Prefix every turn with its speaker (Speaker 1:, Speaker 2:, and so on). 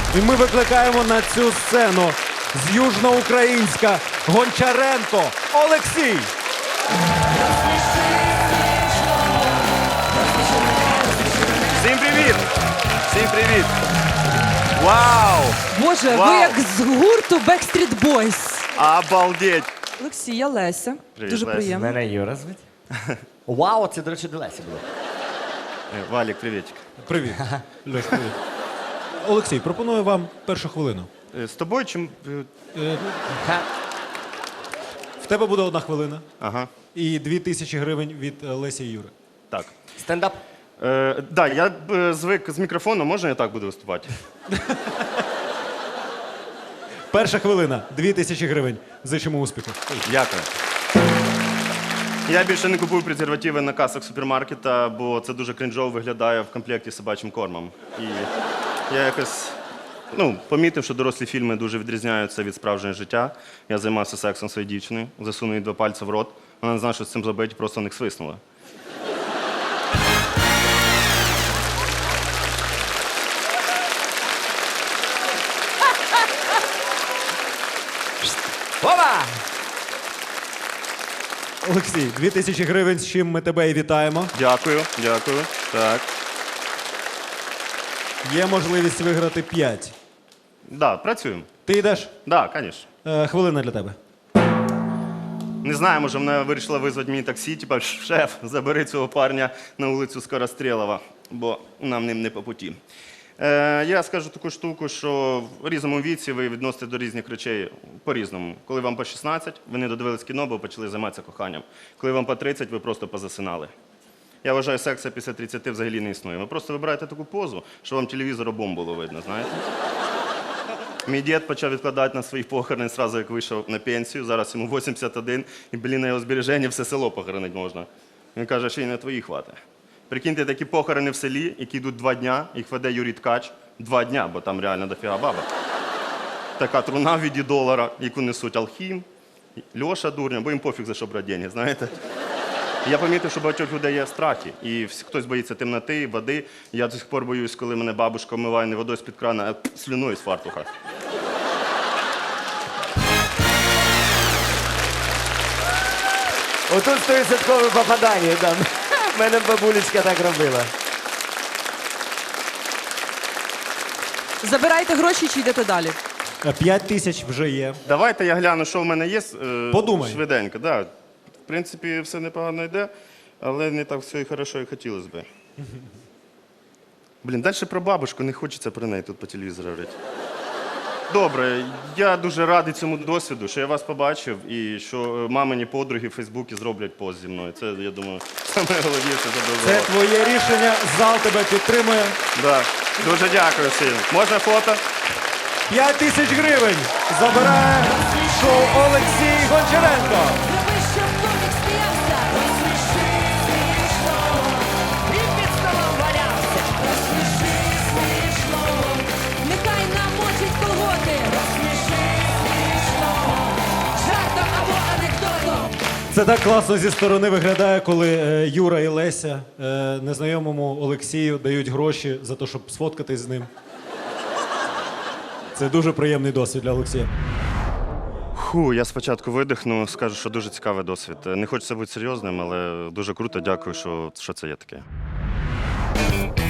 Speaker 1: І ми викликаємо на цю сцену з Южноукраїнська Гончаренко Олексій.
Speaker 2: Всім привіт! Всім привіт! Вау!
Speaker 3: Боже,
Speaker 2: Вау!
Speaker 3: ви як з гурту Backstreet Boys.
Speaker 2: Обалдеть!
Speaker 3: Олексій, я Леся.
Speaker 2: Привіт,
Speaker 3: Дуже
Speaker 2: Леся.
Speaker 3: приємно.
Speaker 4: Мене Юра звуть. Вау, це, до речі, до Лесі було.
Speaker 2: Валік, привітик.
Speaker 1: Привіт. Льош, привіт. Олексій, пропоную вам першу хвилину.
Speaker 2: З тобою чим.
Speaker 1: В тебе буде 1 хвилина
Speaker 2: Ага,
Speaker 1: і 2000 гривень від Лесі і Юри.
Speaker 2: так.
Speaker 4: Стендап.
Speaker 2: Да, я звик з мікрофоном, можна я так буду виступати?
Speaker 1: Перша хвилина, 2000 гривень. Зичимо успіху.
Speaker 2: Дякую. Я більше не купую презервативи на касах супермаркета, бо це дуже крінжово виглядає в комплекті з собачим кормом. І я якось помітив, що дорослі фільми дуже відрізняються від справжнього життя. Я займався сексом своєю дівчиною, засунув їй 2 пальці в рот. Вона не знала, що з цим зробити, просто не свиснула.
Speaker 4: Опа!
Speaker 1: Олексій, 2000 гривень, з чим ми тебе і вітаємо.
Speaker 2: Дякую, дякую. Так.
Speaker 1: Є можливість виграти 5.
Speaker 2: Да, працюємо.
Speaker 1: Ти йдеш?
Speaker 2: Да, звісно.
Speaker 1: Хвилина для тебе.
Speaker 2: Не знаю, може, вона вирішила визвати мені таксі, типа, шеф, забери цього парня на вулицю Скорострєлова, бо нам ним не по путі. Я скажу таку штуку, що в різному віці ви відносите до різних речей по-різному. Коли вам по 16, ви не додивились кіно, бо почали займатися коханням. Коли вам по 30, ви просто позасинали. Я вважаю, секса після 30 взагалі не існує. Ви просто вибираєте таку позу, що вам телевізор обом було видно, знаєте? Мій дід почав відкладати на свої похорони одразу, як вийшов на пенсію. Зараз йому 81, і, на його збереження все село похоронити можна. Він каже, що і на твої хватить. Прикиньте, такі похорони в селі, які йдуть 2 дня, їх веде Юрій Ткач. 2 дня, бо там реально дофіга баба. Така труна в віді долара, яку несуть Алхім, Льоша Дурня, бо їм пофіг за що брати деньги, знаєте. Я помітив, що багатьох людей є страхи, і хтось боїться темноти, води. Я до сих пор боюсь, коли мене бабушка вмиває не водою з-під крана, а слюною з фартуха.
Speaker 4: Отут 100% попадання, там. В мене бабулечка так робила.
Speaker 3: Забирайте гроші чи йдете далі?
Speaker 1: 5000 вже є.
Speaker 2: Давайте я гляну, що в мене є.
Speaker 1: Подумай.
Speaker 2: Швиденько, да. В принципі, все непогано йде, але не так все і хорошо, як хотілося б. Блін, далі про бабушку, не хочеться про неї тут по телевізору говорити. Добре, я дуже радий цьому досвіду, що я вас побачив і що мамині подруги в Фейсбуці зроблять пост зі мною. Це, я думаю, найголовніше
Speaker 1: Це
Speaker 2: задоволення.
Speaker 1: твоє рішення, зал тебе підтримує.
Speaker 2: Да. Дуже дякую всім. Можна фото?
Speaker 1: 5000 гривень забирає шоу Олексій Гончаренко.
Speaker 5: Зроби, щоб комік сміявся. Розсміши смішно. І під столом валявся. Розсміши смішно. Нехай намочить колготи. Розсміши смішно. Жартом або анекдотом.
Speaker 1: Це так класно зі сторони виглядає, коли Юра і Леся незнайомому Олексію дають гроші за те, щоб сфоткатись з ним. Це дуже приємний досвід для Олексія.
Speaker 2: Я спочатку видихну, скажу, що дуже цікавий досвід. Не хочеться бути серйозним, але дуже круто, дякую, що це є таке.